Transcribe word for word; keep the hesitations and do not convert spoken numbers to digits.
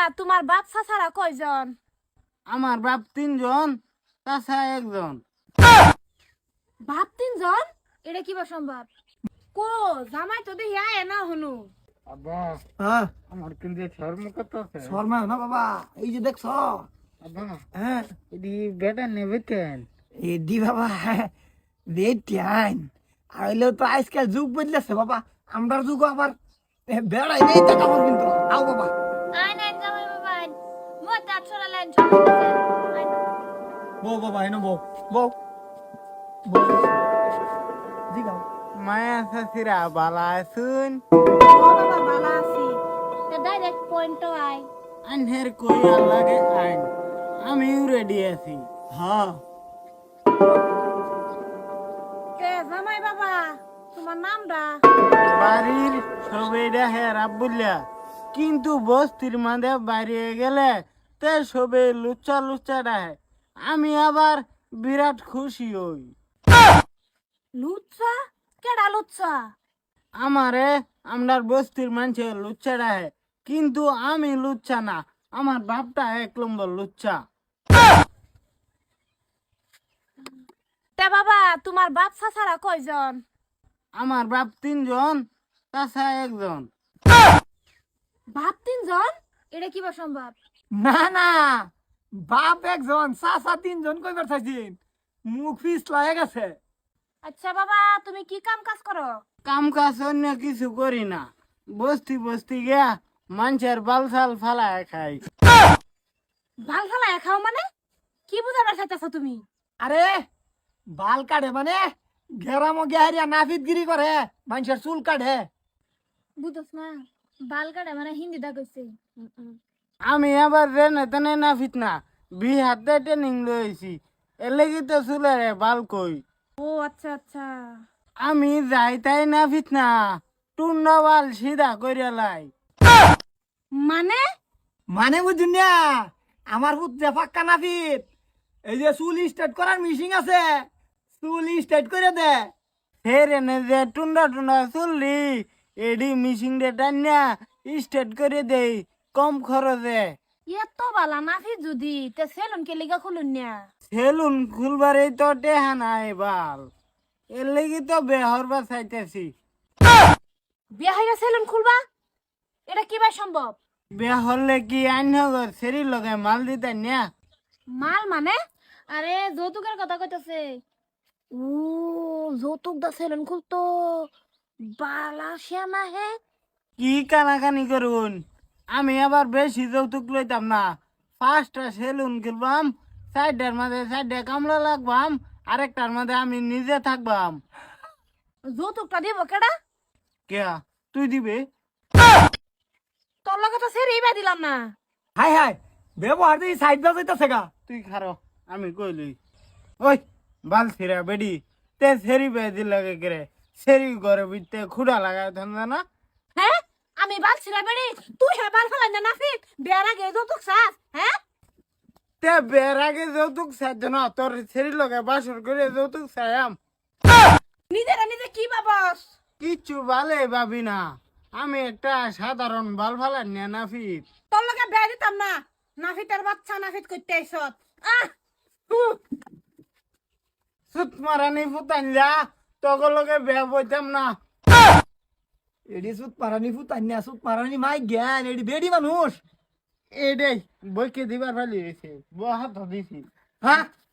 তোমার বাপ চাচারা কয়জন? আমার বাপ তিনজন, চাচা একজন। বাপ তিনজন? এটা কিবা সম্ভব? কো জামাই তো দেখি আয় না হনু। আব্বা, হ্যাঁ আমার কিন্তু শর্ম করতেছে। শর্মা না বাবা, এই যে দেখছ। আব্বা, হ্যাঁ এদি বেটা নেবে কেন? এডি বাবা, রেড আইন আর হইলেও তো আজকাল যুগ বদলেছে বাবা। আমরার যুগ আবার বেড়াই নেই দেখাবো কিন্তু। আও বাবা, আয় না জামাই বাবা আয়। মো তা ছড়া লাইন বউ বাবা, এনো বউ বউ বউ দিগাও। মায়া শাশিরা বালা আছুন? বাবা ভালো আছি। তে ডাইরেক্ট পয়েন্ট আয়। আনহের কই লাগে আইন, আমিও রেডি আছি। হ্যাঁ কে জামাই বাবা তোমার নামটা? বাড়ির সবেইটা হ্যাঁ রাব্বুল্লা, কিন্তু বস্তির মাঝে বাইরে গেলে তে সবে লুচ্চা লুচ্চা ডাহে। আমি আবার বিরাট খুশি হই। লুচ্চা? কেডা লুচ্চা? আমারে আমরার বস্তির মানুষে লুচ্চা ডাহে, কিন্তু আমি লুচ্চা না, আমার বাপটা এক নম্বর লুচ্চা। তে বাবা তোমার বাপ চাচারা কয়জন? আমার বাপ তিনজন, চাচা একজন। বাপ তিনজন? এটা কিবা সম্ভব? না না, বাপ একজন চাচা তিনজন কইবার চাইছিন, মুখ ফিস লাগে গেছে। আচ্ছা বাবা তুমি কি কাম কাজ করো? কাম কাজ অন্য কিছু করি না, বস্তি বস্তি গিয়া মানুষের বালসাল ফালায় খাই। ভাল ফালায় খাও মানে? কি বুঝাবার চাইতেছো তুমি? আরে বাল কাটে মানে গেরামো গেহারিয়া নাফিত গিরি করে, মানুষের চুল কাটে। বুঝছ না, বাল কাটে মানে হিন্দি দা কইছে। আমি আবার রেনে তেনে না ফিতনা বিহাতে ট্রেনিং লইছি, এলেগি তো চুলারে বাল কই। ও আচ্ছা আচ্ছা। আমি যাই তাই না ফিতনা টুন্ডা বাল সিধা কইরা লাই। মানে? মানে বুঝুন না, আমার পুত্রে ফাক্কা নাফিত, এই যে চুল স্ট্রেট করার মিশিং আছে, চুল স্ট্রেট করে দে। হে রেনে যে টুন্ডা টুন্ডা চুললি এডি মিশিং ডে টান্না স্টেট করে দেই কম খরচে। এত বালা নাফি যদি তে সেলুন কে লিগা খুলুন না। সেলুন খুলবারই তো টেহা নাই বাল, এর লেগে তো বেহরবা চাইতেছি। বিয়া হইরা সেলুন খুলবা? এটা কিবা সম্ভব? বিয়া হলে কি আইনগর সেরি লগে মাল দিতে না? মাল মানে? আরে যৌতুকের কথা কইতাছে। ও যৌতুক দা সেলুন খুলতো বালা শ্যামা হে। কি কানাকানি করুন, আমি আবার বেশি যৌতুক লইতাম না। পাঁচটা সেলুন খুলবাম, চারটার মাঝে চারটা কামলা লাগবাম, আরেকটার মাঝে আমি নিজে থাকবাম। যৌতুকটা দিব কেডা? কে তুই দিবে? তোর লগে তো সেরি বা দিলাম না। হাই হাই, ব্যবহার দিয়ে সাইড দা যাইতেছে গা। তুই খারো আমি কইলি। ওই বাল ছিড়া বেডি, তে সেরি বেদি লাগে করে সেরি ঘরে বিতে খুঁড়া লাগায় ধন্দা না। হ্যাঁ আমি বালছি না বেড়ি, তুই হ্যাঁ বাল ফেলাই না নাফিক বিয়ার আগে যৌতুক চাস? হ্যাঁ তে বের আগে যৌতুক চাইছ না, তোর সেরি লগে বাসর করে যৌতুক চাইয়াম। নিজেরা নিজে কি ভাবস? কিচ্ছু ভালে ভাবি না, আমি একটা সাধারণ বাল ফালার নিয়ে নাফিত। তোর লগে বিয়া দিতাম না, নাফিতের বাচ্চা নাফিত করতে আইসত। আহ হুঁ। সুত মারানি ফুতান যা, তগর লগে বেয়া বইতাম না। এডি সুত পারানি ফুতান্যা, সুত পারানি মাই জ্ঞান, এডি বেডি মানুষ। এটাই বইকে দিবার ফালি হয়েছে, বহাত দিছি। হ্যাঁ